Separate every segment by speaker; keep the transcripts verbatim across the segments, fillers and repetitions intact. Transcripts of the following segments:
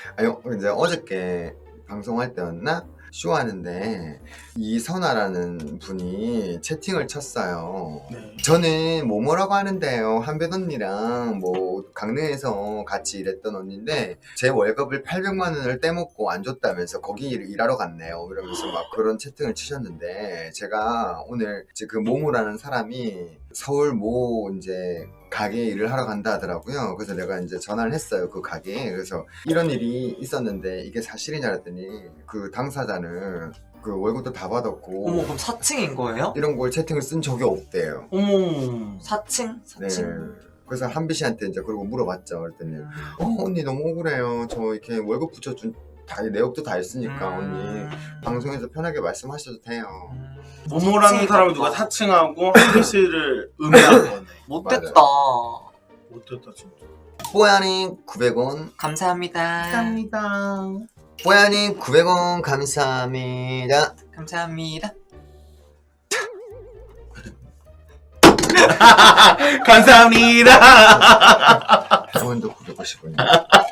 Speaker 1: 아니 이제 어저께 방송할 때였나? 쇼하는데 이선아라는 분이 채팅을 쳤어요.
Speaker 2: 네.
Speaker 1: 저는 뭐뭐라고 하는데요. 한별 언니랑 뭐 강릉에서 같이 일했던 언니인데 제 월급을 팔백만 원을 떼먹고 안 줬다면서 거기 일하러 갔네요. 이러면서 막 그런 채팅을 치셨는데 제가 오늘 이제 그 모모라는 사람이 서울 모 이제 가게에 일을 하러 간다 하더라고요. 그래서 내가 이제 전화를 했어요. 그 가게에. 그래서 이런 일이 있었는데 이게 사실이냐 그랬더니 그 당사자는 그 월급도 다 받았고
Speaker 3: 어머, 그럼 사칭인 거예요?
Speaker 1: 이런 걸 채팅을 쓴 적이 없대요.
Speaker 2: 어머.
Speaker 3: 사칭?
Speaker 1: 네.
Speaker 3: 사칭.
Speaker 1: 그래서 한비 씨한테 이제 그러고 물어봤죠. 그랬더니 어 언니 너무 억울해요. 저 이렇게 월급 붙여준 다 내역도 다 있으니까 언니 방송에서 편하게 말씀하셔도 돼요.
Speaker 2: 모모라는 사람을 누가 사칭하고 한비 씨를 음해한 거네.
Speaker 3: 못됐다.
Speaker 2: 못됐다 진짜.
Speaker 1: 뽀야님 구백 원.
Speaker 3: 감사합니다.
Speaker 2: 감사합니다.
Speaker 1: 뽀야님 구백 원 감사합니다.
Speaker 3: 감사합니다.
Speaker 2: 감사합니다.
Speaker 1: 백 원도 구백오십 원.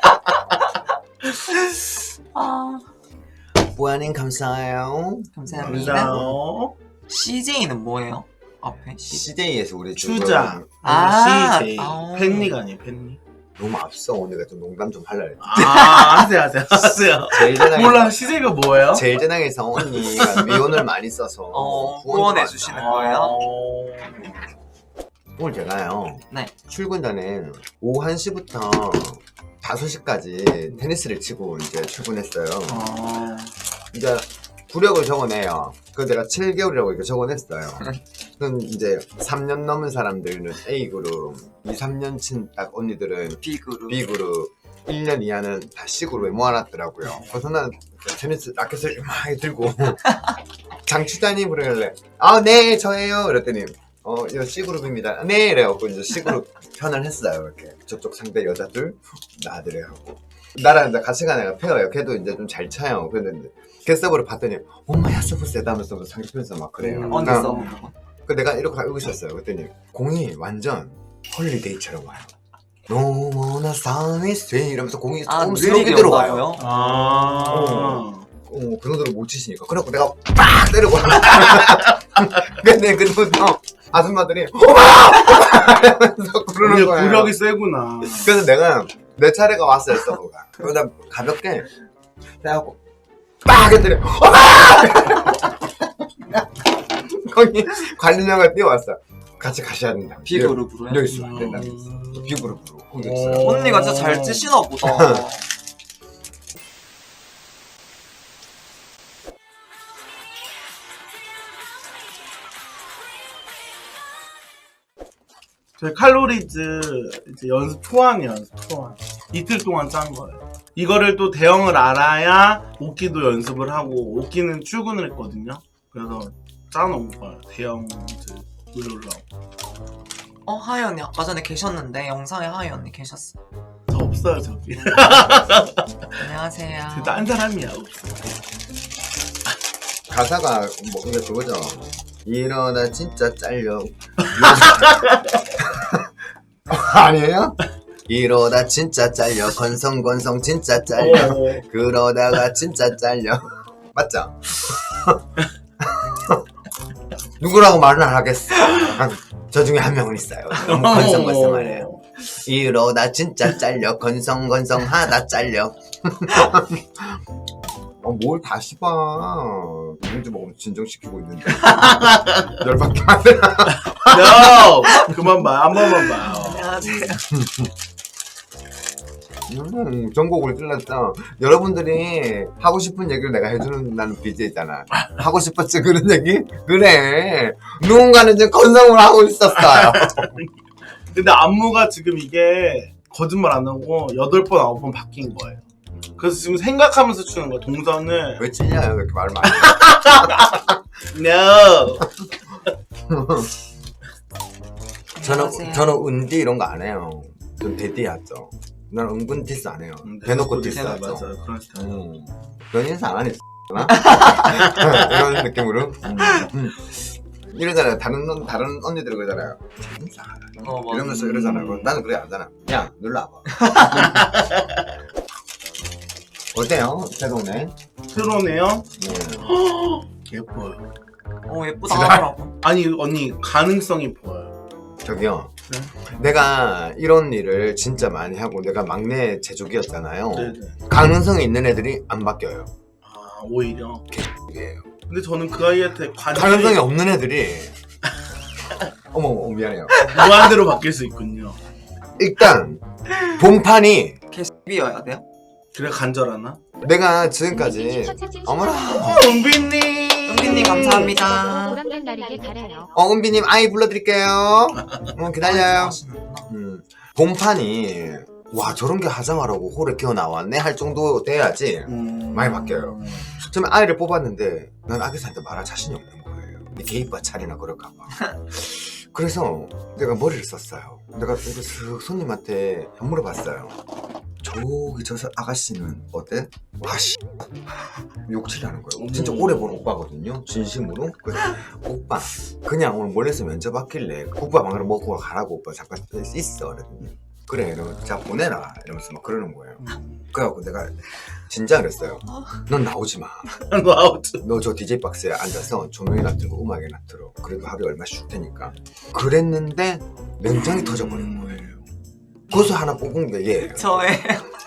Speaker 3: 아,
Speaker 1: 뽀야님 감사해요.
Speaker 3: 감사합니다.
Speaker 2: 감사합니다.
Speaker 3: 씨제이는 뭐예요? 앞에 씨.
Speaker 1: 씨제이에서 우리
Speaker 2: 추자.
Speaker 3: 아,
Speaker 2: 씨제이.
Speaker 3: 아.
Speaker 2: 팬니가 아니에요, 팬니.
Speaker 1: 너무 앞서 오니까 좀 농담 좀 하려고 했지.
Speaker 2: 아, 하세요, 하세요, 하세요.
Speaker 1: 제일 재능에서
Speaker 2: 몰라, 씨제이가 뭐예요?
Speaker 1: 제일 재능에서 언니가 미혼을 많이 써서
Speaker 3: 어,
Speaker 1: 후원도
Speaker 3: 후원해
Speaker 1: 많이
Speaker 3: 주시는
Speaker 1: 하고.
Speaker 3: 거예요?
Speaker 2: 어...
Speaker 1: 오늘 제가요
Speaker 3: 네.
Speaker 1: 출근 전에 오후 한 시부터 다섯 시까지 테니스를 치고 이제 출근했어요.
Speaker 2: 어...
Speaker 1: 이제 구력을 적어내요. 그래서 내가 칠 개월이라고 이렇게 적어냈어요. 그럼 이제 삼 년 넘은 사람들은 A그룹, 이, 삼 년 친 딱 언니들은
Speaker 3: B그룹.
Speaker 1: B그룹, 일 년 이하는 다 C그룹에 모아놨더라고요. 그래서 난 테니스 라켓을 막 들고 장추자님 그러길래 아, 네, 저예요. 그랬더니 어, 이거 C그룹입니다. 네, 이래갖고 이제 C그룹 편을 했어요. 이렇게 저쪽 상대 여자들, 나들이 하고 나랑 이제 같이 간 애가 페어예요. 걔도 이제 좀 잘 차요. 그랬는데 걔 서브를 봤더니 엄마야 서브 세다 하면서 상대편에서 막 그래요.
Speaker 2: 음,
Speaker 3: 언제
Speaker 1: 그러니까
Speaker 3: 써보는 거?
Speaker 1: 그 내가 이렇게 알고 있었어요. 그랬더니 공이 완전 홀리데이처럼 와요. 너무나 삶이 쇠 이러면서 공이
Speaker 3: 아,
Speaker 1: 조금
Speaker 3: 느리게
Speaker 1: 스럽게 들어와요.
Speaker 3: 온다고요?
Speaker 2: 아...
Speaker 1: 어, 그 정도로 못 치시니까. 그래갖고 내가 빡 때리고 근데 그때부터 아줌마들이 오마! 이러면서 그러는
Speaker 2: 이게
Speaker 1: 거예요.
Speaker 2: 구력이 세구나.
Speaker 1: 그래서 내가 내 차례가 왔어요. 서브가. 그러다 가볍게 해갖고 빡! 했더니 오마! 거기 관리자가 뛰어왔어. 같이 가셔야 된다.
Speaker 3: B그룹으로요?
Speaker 1: 여기 있으면 안 된다. B그룹으로 공격했어요.
Speaker 2: 오.
Speaker 3: 언니가 진짜 잘 치시나 보다.
Speaker 2: 저희 칼로리즈 이제 연습 초안이에요, 연습 초안. 이틀 동안 짠 거예요. 이거를 또 대형을 알아야 오키도 연습을 하고, 오키는 출근을 했거든요. 그래서 짜놓은 거예요, 대형 이제 올라오고.
Speaker 3: 어, 하이 언니 아까 전에 계셨는데 영상에 하이 언니 계셨어.
Speaker 2: 저 없어요, 저기.
Speaker 3: 안녕하세요.
Speaker 2: 저 딴 사람이야, 없어.
Speaker 1: 가사가 뭐 이거 그거죠. 일어나 진짜 잘려. 아니에요? 이러다 진짜 잘려. 건성건성 진짜 잘려.
Speaker 2: 어,
Speaker 1: 그러다가 진짜 잘려. 맞죠? 누구라고 말은 안 하겠어. 저 중에 한 명은 있어요. 너무 건성건성하네요. 이러다 진짜 잘려. 건성건성하다 잘려. 어, 뭘 다시 봐. 민주 먹으면 진정시키고 있는데. 열받게 하더라.
Speaker 2: no! 그만 봐, 한 번만 봐요.
Speaker 3: 안녕하세요.
Speaker 1: 음, 전곡을 찔렀죠. 여러분들이 하고 싶은 얘기를 내가 해주는 나는 비제이잖아. 하고 싶었지 그런 얘기? 그래. 누군가는 이제 건성을 하고 있었어요.
Speaker 2: 근데 안무가 지금 이게 거짓말 안 하고 여덟 번, 아홉 번 바뀐 거예요. 그래서 지금 생각하면서 추는 거야, 동선을.
Speaker 1: 왜 찔려요? 그렇게 말 많이.
Speaker 2: no!
Speaker 1: 저는,
Speaker 3: 안녕하세요.
Speaker 1: 저는 은디 이런 거 안 해요. 전 대디 하죠. 난 은근 디스 안 해요. 대놓고 디스
Speaker 2: 맞아요,
Speaker 1: 하죠.
Speaker 2: 맞아요. 그런 스타일.
Speaker 1: 음. 넌 인사 안 하니? 나? 이런 느낌으로. 음. 음. 이러잖아요. 다른, 언- 다른 언니들 그러잖아요. 인사 안 하니?
Speaker 3: 어, 맞아.
Speaker 1: 이러면서 이러잖아요. 그럼 나는 그래 안 하잖아. 야, 눌러 와봐. 어때요? 새로네.
Speaker 2: 새로네요.
Speaker 1: 네.
Speaker 2: 예뻐요.
Speaker 3: 어 예쁘다 하더라고.
Speaker 2: 아니 언니 가능성이 보여요.
Speaker 1: 저기요.
Speaker 2: 네?
Speaker 1: 내가 이런 일을 진짜 많이 하고 내가 막내 제조기였잖아요.
Speaker 2: 네네.
Speaker 1: 가능성이 있는 애들이 안 바뀌어요.
Speaker 2: 아 오히려.
Speaker 1: 이게요.
Speaker 2: 근데 저는 그 아이한테 관심이
Speaker 1: 가능성이 없는 애들이 어머 어머 미안해요.
Speaker 2: 무한대로 바뀔 수 있군요.
Speaker 1: 일단 본판이
Speaker 3: 개비여야 돼요?
Speaker 2: 그래 간절하나?
Speaker 1: 내가 지금까지 어머나
Speaker 2: 은비님.
Speaker 3: 은비님 감사합니다.
Speaker 4: 보람된 날이게 가려요.
Speaker 1: 어 은비님 아이 불러드릴게요. 어, 기다려요.
Speaker 3: 하시는구나.
Speaker 1: 음, 본판이 와 저런 게 하자마라고 홀에 끼어 나왔네 할 정도 돼야지
Speaker 2: 음...
Speaker 1: 많이 바뀌어요. 처음에 아이를 뽑았는데 난 아기한테 말할 자신이 없는 거예요. 개입바 차리나 그럴까봐. 그래서 내가 머리를 썼어요. 내가 이렇게 슥 손님한테 물어봤어요. 저기 저 사- 아가씨는 어때? 와씨 욕칠하는 거예요. 진짜 오래 본 오빠거든요. 진심으로. 그래서 오빠 그냥 오늘 몰래서 면접 왔길래 국밥 한 그릇 먹고 가라고 오빠 잠깐 있어. 그랬더니 그래 이러면 자 보내라 이러면서 막 그러는 거예요.
Speaker 2: 음...
Speaker 1: 그래갖고 내가 진짜 그랬어요. 넌 나오지 마.
Speaker 2: 와우.
Speaker 1: 너 저 디제이 박스에 앉아서 조명이나 틀고 음악이나 틀어. 그래도 하루에 얼마씩 줄 테니까. 그랬는데 맹장이 터져버린 거예요. 고수 하나 뽑은 게 얘예요.
Speaker 3: 저의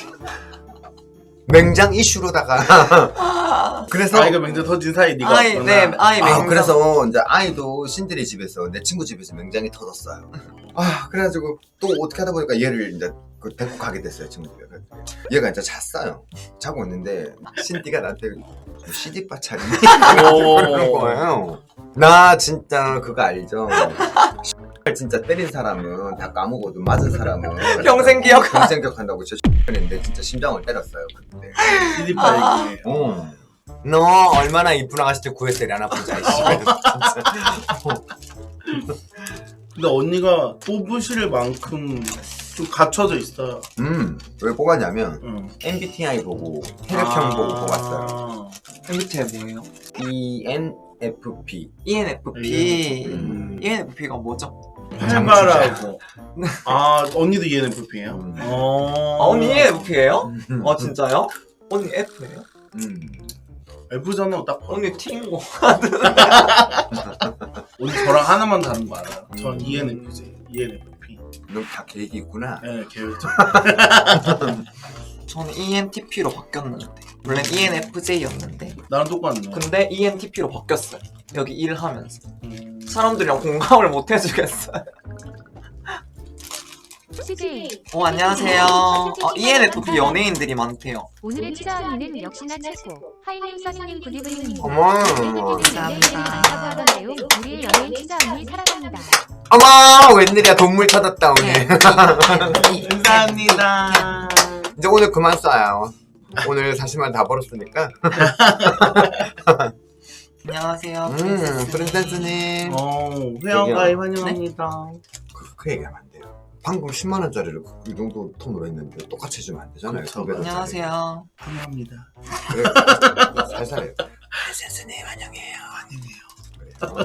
Speaker 1: 맹장 이슈로다가 그래서
Speaker 2: 아이가 맹장 터진 사이 네가
Speaker 3: 아이
Speaker 2: 왔구나.
Speaker 3: 네 아이
Speaker 1: 아
Speaker 3: 맹장.
Speaker 1: 그래서 이제 아이도 신들이 집에서 내 친구 집에서 맹장이 터졌어요. 아 그래가지고 또 어떻게 하다 보니까 얘를 이제 그 데리고 가게 됐어요 친구가. 얘가 이제 잤어요. 자고 있는데 신디가 나한테 씨디바 차리니 그러는 거예요. 나 진짜 그거 알죠? 진짜 때린 사람은 다 까먹어도 맞은 사람은
Speaker 3: 평생 기억.
Speaker 1: 평생 기억한다고 저 했는데 진짜 심장을 때렸어요 그때.
Speaker 2: 씨디파 얘기네.
Speaker 1: 어. 너 얼마나 이쁜 아가씨들 구했더니 안 아픈지 알지?
Speaker 2: 근데 언니가 뽑으실 만큼 좀 갖춰져 있어요.
Speaker 1: 음, 왜 뽑았냐면
Speaker 2: 응.
Speaker 1: 엠비티아이 보고 혈액형 보고 뽑았어요.
Speaker 3: 엠비티아이 뭐예요?
Speaker 1: 이엔에프피.
Speaker 3: 이엔에프피.
Speaker 1: 음.
Speaker 3: 이엔에프피가 뭐죠?
Speaker 2: 활발하고. 아 언니도 이엔에프피예요?
Speaker 1: 음.
Speaker 2: 어.
Speaker 3: 아 언니 이엔에프피예요?
Speaker 1: 음.
Speaker 3: 아 진짜요? 언니 F예요?
Speaker 1: 음.
Speaker 2: F잖아요 딱 봐.
Speaker 3: 언니 T인 거.
Speaker 2: 언니 저랑 하나만 다른 거 알아요. 전
Speaker 1: 음.
Speaker 2: 이엔에프지. 이엔에프피.
Speaker 1: 너 다 계획이 있구나.
Speaker 2: 네 계획적.
Speaker 3: 저는 이엔티피로 바뀌었는데 원래 이엔에프제이였는데
Speaker 2: 나랑 똑같네.
Speaker 3: 근데 이엔티피로 바뀌었어요. 여기 일을 하면서
Speaker 2: 음...
Speaker 3: 사람들이랑 공감을 못 해주겠어요.
Speaker 4: 씨제이.
Speaker 3: 어 안녕하세요. 어, 이엔에프피 연예인들이 많대요.
Speaker 4: 오늘의 치자 언니는 역시나 최고. 하이님 서신님 구디브이님.
Speaker 1: 어머.
Speaker 4: 감사합니다. 우리의 연예인 치자 언니 사랑합니다.
Speaker 1: 어머 웬일이야 돈물 찾았다 오늘.
Speaker 2: 감사합니다.
Speaker 1: 이제 오늘 그만 쏴요. 오늘 사십만 다 벌었으니까.
Speaker 3: 안녕하세요.
Speaker 1: 음 프린세스님.
Speaker 2: 어 회원가입 환영합니다.
Speaker 1: 그, 그 얘기하면 안 돼요. 방금 십만 원짜리를 이 정도 톤으로 했는데 똑같이 해주면 안 되잖아요.
Speaker 2: 그쵸.
Speaker 1: 두 배로짜리.
Speaker 3: 안녕하세요.
Speaker 2: 환영합니다.
Speaker 1: 그래 살살해요. 프린세스님 환영해요. 환영해요.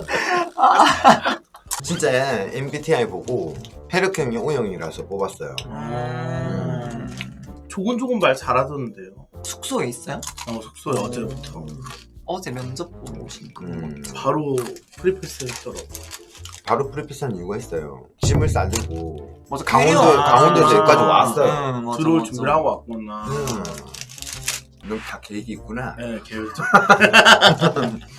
Speaker 1: 진짜 엠비티아이 보고 혈액형이 O형이라서 뽑았어요.
Speaker 3: 음...
Speaker 2: 조곤조곤 말 잘하던데요.
Speaker 3: 숙소에 있어요?
Speaker 2: 어 숙소에 어제부터
Speaker 3: 어제 면접 보러 오신 거.
Speaker 1: 음,
Speaker 2: 바로 프리패스 했더라고.
Speaker 1: 바로 프리패스한 이유가 있어요. 짐을 싸들고
Speaker 3: 맞아,
Speaker 1: 강원도
Speaker 3: 캐리어.
Speaker 1: 강원도에서
Speaker 2: 아,
Speaker 1: 여기까지 왔어요.
Speaker 3: 응, 맞아,
Speaker 2: 들어올
Speaker 3: 맞아.
Speaker 2: 준비를 하고 왔구나.
Speaker 1: 음, 너 다 계획이 있구나.
Speaker 2: 네 계획적.